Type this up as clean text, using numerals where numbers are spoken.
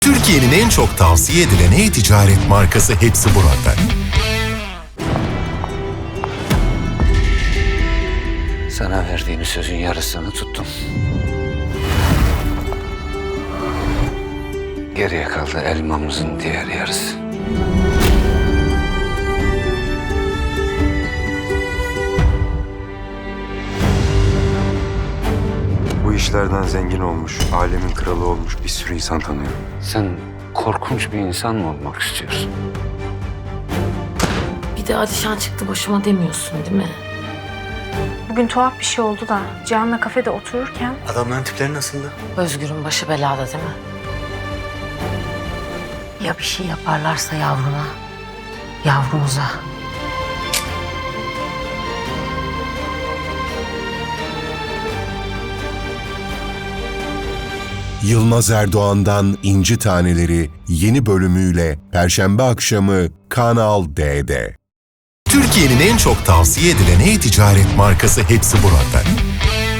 Türkiye'nin en çok tavsiye edilen e-ticaret markası hepsi burada. Sana verdiğim sözün yarısını tuttum. Geriye kaldı elmamızın diğer yarısı. Bu işlerden zengin olmuş, alemin kralı olmuş bir sürü insan tanıyorum. Sen korkunç bir insan mı olmak istiyorsun? Bir de Alişan çıktı başıma demiyorsun değil mi? Bugün tuhaf bir şey oldu da Cihan'la kafede otururken Adamların tipleri nasıldı? Özgür'ün başı belada değil mi? Ya bir şey yaparlarsa yavruma, yavrumuza. Yılmaz Erdoğan'dan İnci Taneleri yeni bölümüyle Perşembe akşamı Kanal D'de. Türkiye'nin en çok tavsiye edilen e-ticaret markası hepsi burada.